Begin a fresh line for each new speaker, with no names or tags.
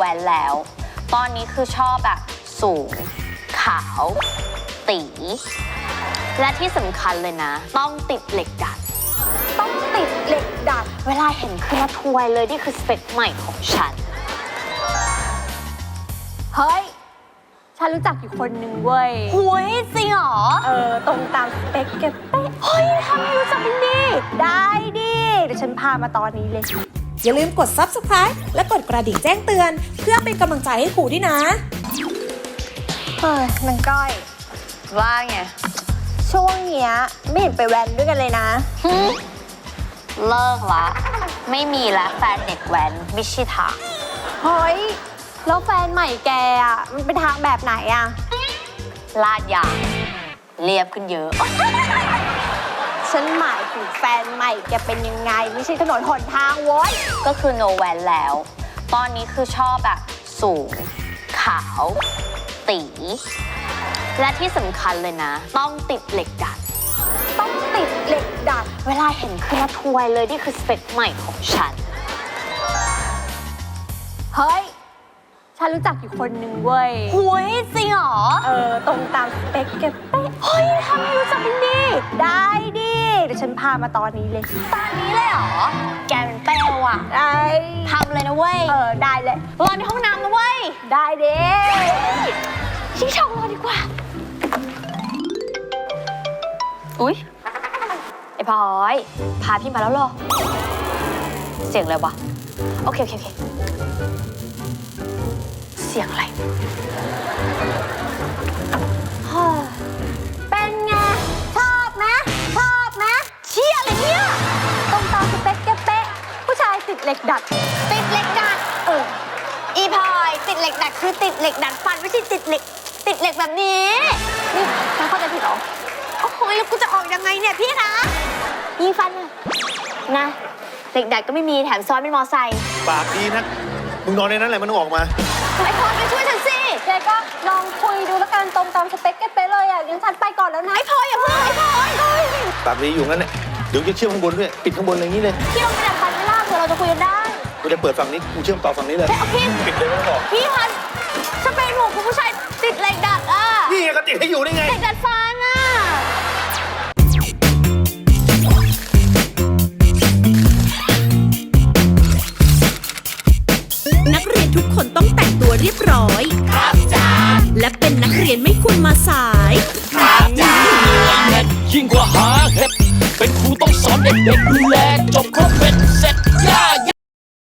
แวนแล้ว ตอนนี้คือชอบแบบสูงขาวตีและที่สำคัญเลยนะ ต้องติดเหล็กดัดต้องติดเหล็กดัดเวลาเห็นคือละทวยเลยนี่คือสเปคใหม่ของฉัน
เฮ้ยฉันรู้จักอยู่คนหนึ่งเว้ย
หุยจริงเหรอ
ตรงตามสเปคเก็บเป๊ะเฮ้ยทำไมรู้จักมันดีได้ดิเดี๋ยวฉันพามาตอนนี้เลย
อย่าลืมกด Subscribe และกดกระดิ่งแจ้งเตือนเพื่อเป็นกำลังใจให้ครูด้วยนะ
เฮ้ยนางก้อย
ว่าไง
ช่วงเนี้ยไม่เห็นไปแว้นด้วยกันเลยนะ
เลิกละไม่มีละแฟนเด็กแว้นไม่ใช่ทาง
เฮ้ยแล้วแฟนใหม่แกอ่ะมันเป็นทางแบบไหนอ่ะ
ลาดยางเรียบขึ้นเยอะ
ฉันหมายถึงแฟนใหม่แกเป็นยังไงไม่ใช่ถนนหนทางโว้ย
ก็คือโนแวนแล้ว ตอนนี้คือชอบแบบสูงขาวตีและที่สำคัญเลยนะ ต้องติดเหล็กดัด
ต้องติดเหล็กดัด
เวลาเห็นคือละทวยเลยนี่คือสเปคใหม่ของฉัน
เฮ้ยฉันรู้จักอยู่คนหนึ่งเว้ย
หุยจริงเหรอ
ตรงตามสเปคเก็บเป๊ะเฮ้ยทำไมรู้จักมันดีได้ดิเดี๋ยวฉันพามาตอนนี้เลย
ตอนนี้เลยเหรอแกเป็นเปลวอ่ะ
ได้
ทำเลยนะเว้ย
ได้เลย
รอในห้องน้ำนะเว้ย
ได้เด้
ชิงช่องรอดีกว่าอุ๊ยไอ้พลอยพาพี่มาแล้วเหรอเสียงอะไรวะโอเคเสียงอะไร
เป็นไงชอบไหม
เชี่ยอะไรเนี่ย
ตรงตามสเปคเก็บเป๊ะผู้ชายติดเหล็กดัด
ติดเหล็กดัดอีพลอยติดเหล็กดัดคือติดเหล็กดัดฟันไม่ใช่ติดเหล็กแบบนี้
นี่ฉันเข้าใจผิดเหรอ
โอ้โหแล้วกูจะออกยังไงเนี่ยพี่คะยิงฟันนะเหล็กดัดก็ไม่มีแถมซ้อนเป็นมอไซค์
ปากดีนะมึงนอนในนั้นแหละมันต้องออกมา
ไอ้พลอยไปช่วยฉันสิ
แกก็ลองคุยดูแล้วกันตรงตามสเปคเก็บเป๊ะเลยอ่ะงั้นฉันไปก่อนแล้วนะ
ไอ้พลอยอย่าเพิ่งไอ้พลอย
ปากดีอยู่งั้นแหละเดี๋ยวจะเชื่อมข้างบนด้วยปิดข้างบนอะไรอย่างนี้เลย
พี่ลองไปดัดฟันไม่ล่าเผื่อเราจะคุยกันได้
กูจะเปิดฝั่งนี้กูเชื่อมต่อฝั่งนี้เลย
พี่
ปิดเลยไม่ต้องบอก
พี่พันสเปรย์หมูคุณผู้ชายติดเหล็กดัดอ่ะ
นี่ไงก็ติดให้อยู่นี่ไง
เหล็กดัดฟันอ่ะ
นักเรียนทุกคนต้องแต่งตัวเรียบร้อยครับจ้าและเป็นนักเรียนไม่ควรมาสาย
ครับจ้ายิ่งกว่าหาเห็ดเป็นครูต้องสอนเด็กๆดูแลจบครบเป็นเสร็จย่า